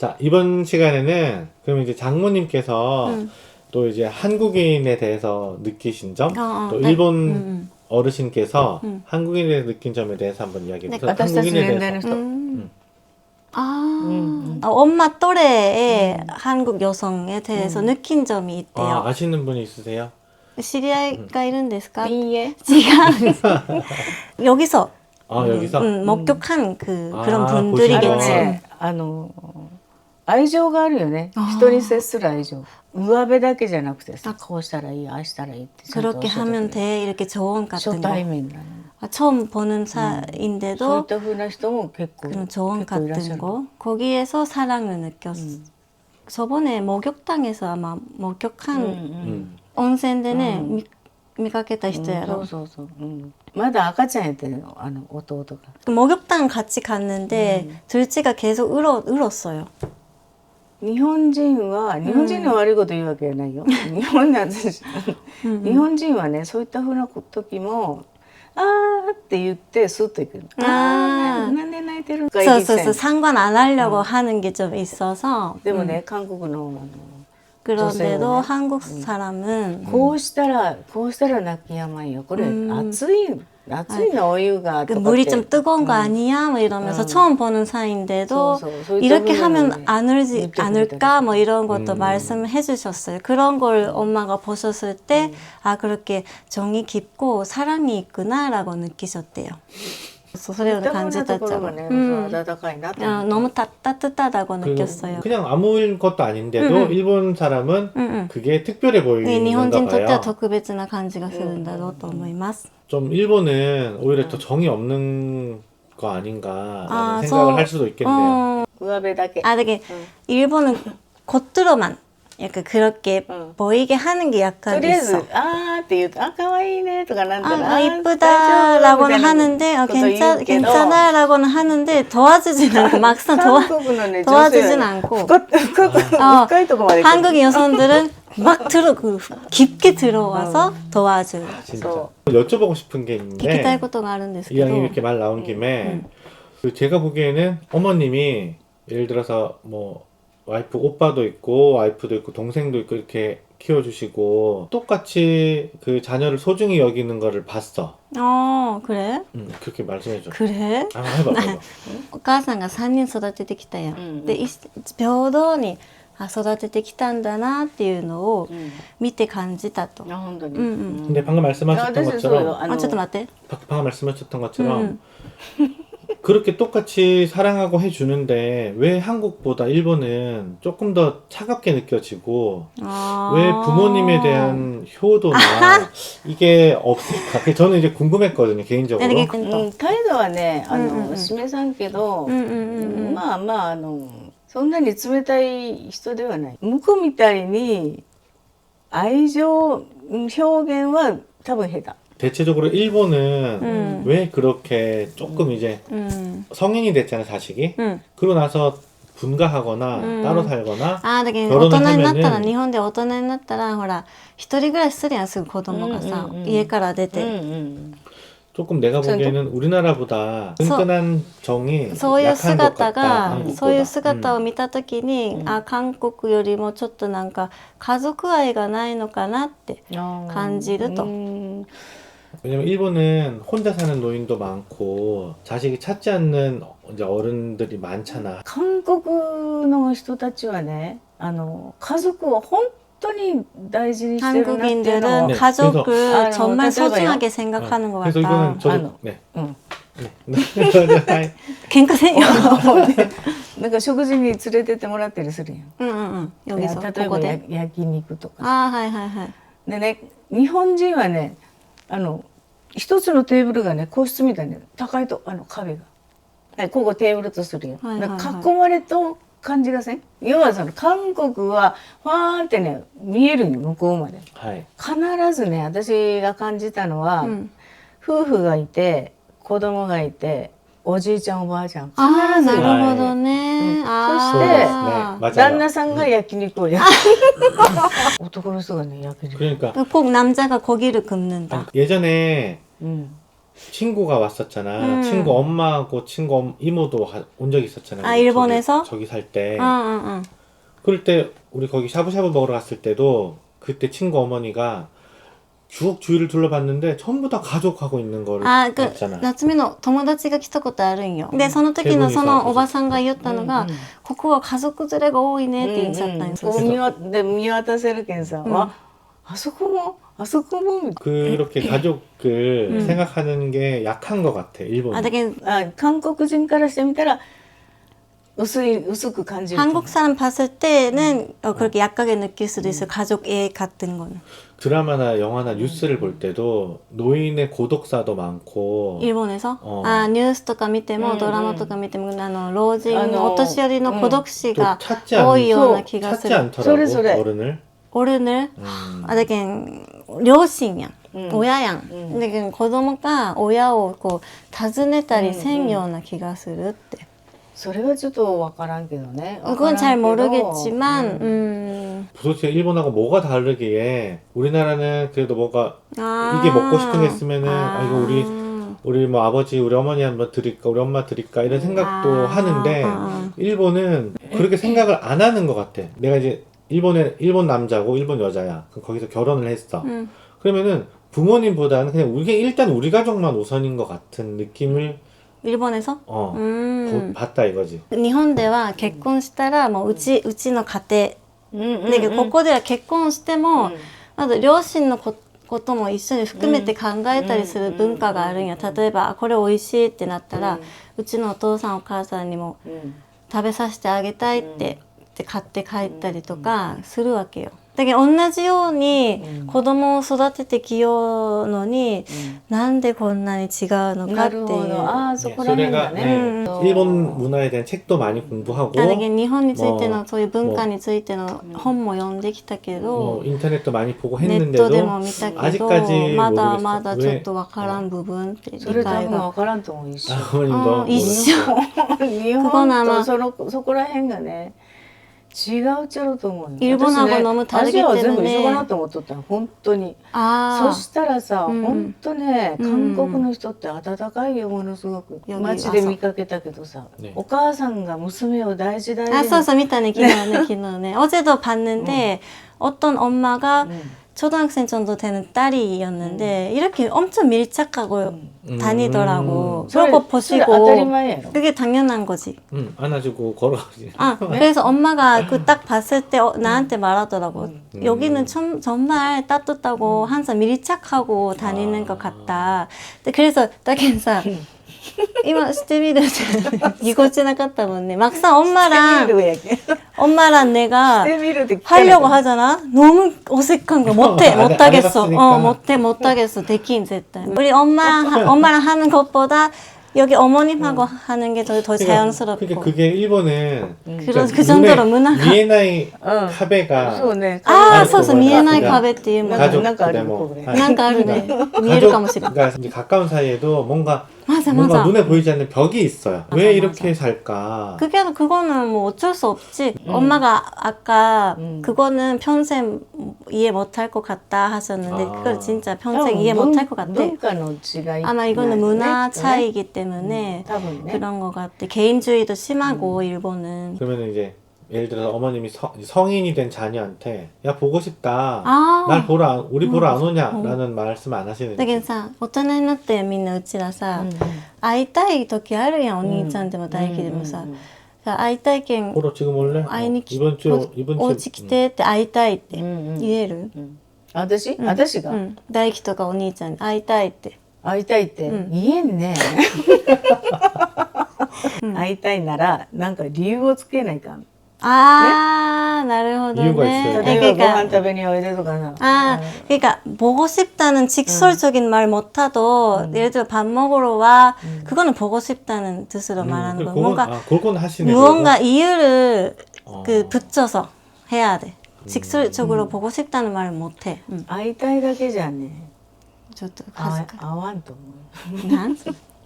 자, 이번 시간에는 그럼 이제 장모님께서 또 이제 한국인에 대해서 느끼신 점, 또 네. 일본 어르신께서 한국인에 대해서 느낀 점에 대해서 한번 이야기해 네. 보세요. 私たち 한국인에 年代 대해서. の人 엄마 또래의 한국 여성에 대해서 느낀 점이 있대요. 아, 아시는 분이 있으세요? 知り合いがいるんですか? いいえ 여기서 아, 여기서? 목격한 그런 아, 분들이겠지. あのね愛情があるよね。人に接する愛情。上辺だけじゃなくてさ、こうしたらいい、ああしたらいいってちゃんと 그렇게 教えてくれ 하면 る 돼. 이렇게 조언 初 같은 거. 対面なの。 처음 보는 そういっ 사이인데도 た風な人も結構 그런 조언 結構いらっしゃ 같은 る。 거. 거기에서 사랑을 느꼈어. 저번에 목욕탕에서 아마 목욕한 온센데네 見かけた人やろ. そうそうそう。まだ赤ちゃんやってるの、弟が。 목욕탕 같이 갔는데 둘째가 계속 울었어요. 日本人の悪いこと言うわけじゃないよ。日本人はね、そういった風な時もあーって言ってスッといく。なんで泣いてるのかそう 상관 안 하려고 하는 게 좀 있어서. でもね、韓国の 그런데도 네. 한국 사람은 こうしたら泣きやまんよ。これ熱いのお湯がとかって 물이 좀 뜨거운 거 아니야? 뭐 이러면서 처음 보는 사이인데도 이렇게 하면 안 울지 않을까? 뭐 이런 것도 말씀해 주셨어요. 그런 걸 엄마가 보셨을 때 아, 그렇게 정이 깊고 사랑이 있구나라고 느끼셨대요. それを感じたっちゃう. 너무 따뜻하다고 느꼈어요. 그냥 아무 것도 아닌데도 일본 사람은 그게 특별해 보이는 건가 일본인 とっては 봐요. 特別な感じがするんだろうと思います. 좀 일본은 오히려 더 정이 없는 거 아닌가라는 아, 생각을 할 수도 있겠네요. 上辺だけ。 아, 되게 일본은 겉으로만 약간 그렇게 보이게 하는 게 と 약간 りあえず 있어. あーって言うとあ可愛いねとかなんたら 아, 이쁘다라고는 하는데 괜찮아라고는 하는데 도와주진 않고 막상 韓国のね女性 도와주진 は 않고 深いとこまで来る 한국 여성들은 막 깊게 들어와서 도와줘요. 진짜. 저- 여쭤보고 싶은 게 있는데 聞きたいことがあるんですけど 이왕 이렇게 말 나온 김에 그 제가 보기에는 어머님이 예를 들어서 뭐 와이프 오빠도 있고 와이프도 있고 동생도 있고 이렇게 키워주시고 똑같이 그 자녀를 소중히 여기는 거를 봤어. 그래? 그렇게 말씀해줘. 그래? 아, 해봐. お母さんが3人育ててきたやん。で、平等に育ててきたんだなっていうのを見て感じたと。 あ本当に。 근데 방금 말씀하셨던 私そうよ。 것처럼 ちょっと待って。 방금 말씀하셨던 것처럼 그렇게 똑같이 사랑하고 해주는데 왜 한국보다 일본은 조금 더 차갑게 느껴지고 왜 부모님에 대한 효도나 이게 없을까? 저는 이제 궁금했거든요, 개인적으로. 態度はね示さんけどまあそんなに冷たい人ではない。向こうみたいに愛情表現は多分下手。 대체적으로 일본은 왜 그렇게 조금 이제 성인이 됐잖아요, 자식이. 그러고 나서 분가하거나 따로 살거나 だけど大人になったら、日本で大人になったらほら一人暮らしするやんすぐ子供がさ、家から出て、 조금 내가 보기에는 우리나라보다 끈끈한 정이 そういう 약한 것 같다, 姿 한국보다. そういう姿を見た時に、韓国よりもちょっとなんか家族愛がないのかなって感じると。 왜냐면 일본은 혼자 사는 노인도 많고 자식이 찾지 않는 이제 어른들이 많잖아. 韓国の人たちはね家族を本当に大事にしてるなっていうの 한국인들은 を 네, 가족을 그래서- 정말 그래서 소중하게 생각하는 것 그래서 같다. 이거는 저도 아, 네. うん 네. 갱카세요. なんか食事に連れてってもらったりするやん。 여기서 例えばここで. 焼肉とか。 はいはいはい。 でね日本人はね一つのテーブルがね個室みたいに高いと壁が、はい、ここテーブルとするよ、 はいはいはいだから囲まれと感じがせん。要はその韓国はファーンってね見えるよ向こうまで。 하이. 必ずね私が感じたのは、夫婦がいて子供がいておじいちゃんおばあちゃん必ずいる。 なるほどね。 そして 맞아요. 旦那さんが焼肉を焼く男の人がね焼肉 그러니까 꼭 남자가 고기를 굽는다. 예전에 친구가 왔었잖아. 친구 엄마하고 친구 이모도 온 적이 있었잖아. 아, 우리 일본에서? 저기 살 때. 응. 그럴 때 우리 거기 샤브샤브 먹으러 갔을 때도 그때 친구 어머니가 쭉 주위를 둘러봤는데 전부 다 가족하고 있는 거를 あ、 봤잖아. 夏美の友達が来たことあるんよ。で、その時のそのおばさんが言ったのが、ここは家族連れが多いねって言っちゃったんですよ。 で見渡せるけんさ、あそこもあそこも 그렇게 가족을 생각하는 게 약한 것 같아, 일본. あ、だけど、 韓国人からしてみたら薄く感じる 한국 사람 봤을 때는 그렇게 약하게 느낄 수도 있어요. 가족 애 같은 거는. 드라마나 영화나 뉴스를 볼 때도 노인의 고독사도 많고 일본에서? おあ、ニュースとか見ても、ドラマとか見ても、老人、お年寄りの孤独死 또 が 찾지, 多いような気がす 찾지 る。 않더라고, 소래. 어른을. 어른을? 아,だけん両親やん。親やん。だけど子供が親をこう訪ねたりせんような気がするって。 それはちょっとわからんけどね 그건 잘 모르겠지만, 도대체 일본하고 뭐가 다르기에 우리나라는 그래도 뭐가 아. 이게 먹고 싶은 게 있으면은 아. 이거 우리 뭐 아버지 우리 어머니 한번 드릴까 우리 엄마 드릴까 이런 생각도 아. 하는데 아. 일본은 그렇게 생각을 안 하는 것 같아. 내가 이제 일본 남자고 일본 여자야. 그럼 거기서 결혼을 했어. 그러면은 부모님보다는 그냥 일단 우리 가족만 우선인 것 같은 느낌을 일본에서? 봤다 이거지. 日本では結婚したらもううちの家庭、だけどここでは結婚しても、まず両親のことも一緒に含めて考えたりする文化があるんや。例えばこれ美味しいってなったら、うちのお父さんお母さんにも食べさせてあげたいって買って帰ったりとかするわけよ。だけど同じように子供を育ててきようのに、なんでこんなに違うのかっていう。 소래가 일본 문화에 대한 책도 많이 공부하고 だけど日本についてのそういう文化についての本も読んできたけど、 인터넷도 많이 보고 ネットで 했는데도 も見たけど 아직까지 まだ 모르겠어. まだちょっとわからん部分って理それ多解が分わからんと思う一緒 아버님도 一緒日本とそこら辺がね違うっちゃろうと思うよ。 일본하고 너무 ア 다르기 ジアは全部 때문에 一緒かなと思っとったの本当に。 あそしたらさ、本当ね、韓国の人って温かいよものすごく。街で見かけたけどさ、お母さんが娘を大事大事に。 そうそう見たね昨日ね昨日ね어제도 봤는데 어떤 엄마가 초등학생 정도 되는 딸이었는데 이렇게 엄청 밀착하고 다니더라고. 그런 거 보시고 当たり前やろ。 그게 당연한 거지. 안아주고 걸어가지. 아, 그래서 엄마가 그 딱 봤을 때 나한테 말하더라고. 여기는 정말 따뜻하고 항상 밀착하고 다니는 것 같다. 근데 그래서 딱인사今してみるぎこちなかったもんね. 막상 엄마랑 내가 하려고 하잖아. 너무 어색한 거야. 못하겠어. 못하겠어. 대긴絶対. 우리 엄마랑 하는 것보다 여기 어머님하고 하는 게 더 자연스럽고. 그러니까 그게 일본은 그 정도로 문화가 미에나이 카베가 そうね。 そうそう見えない壁っていうもの 가족 なんかある 뭐 これ。 なんかあるね見えるかもしれない 가족과 이제 가까운 사이에도 뭔가 맞아 뭔가 맞아 눈에 보이지 않는 벽이 있어요. 왜 이렇게 살까? 그거는 뭐 어쩔 수 없지. 엄마가 아까 그거는 평생 이해 못할 것 같다 하셨는데 그걸 진짜 평생 이해 못할 것 같아. 文化の違い。 아마 이거는 문화 차이이기 때문에 多分ね。 그런 것 같아. 개인주의도 심하고 일본은. 그러면 이제 예를 들어서 어머님이 성인이 된 자녀한테 야 보고 싶다. 아. 날 우리 보러 안 오냐라는 말씀 안 하시는지. だけどさ大人になってみんなうちらさ、会いたい時あるやんお兄ちゃんでも大輝でもさ、会いたいけん 보러 지금 올래? 会いに来 이번 주 お家来てって会いたいって言える、 私が大輝とかお兄ちゃんに会いたいって会いたいって言えんね。会いたいならなんか理由をつけないかん。 なるほどね. 이유가 있어요. 例えばご飯食べにおいでとかな。 그러니까 보고 싶다는 직설적인 말 못하도 예를 들어 밥 먹으러 와 그거는 보고 싶다는 뜻으로 말하는 거. 뭔가 그건 하시네. 무언가 이유를 붙여서 해야 돼. 직설적으로 보고 싶다는 말을 못해. 会いたいだけじゃね。 ちょっと会わんと思う。 なん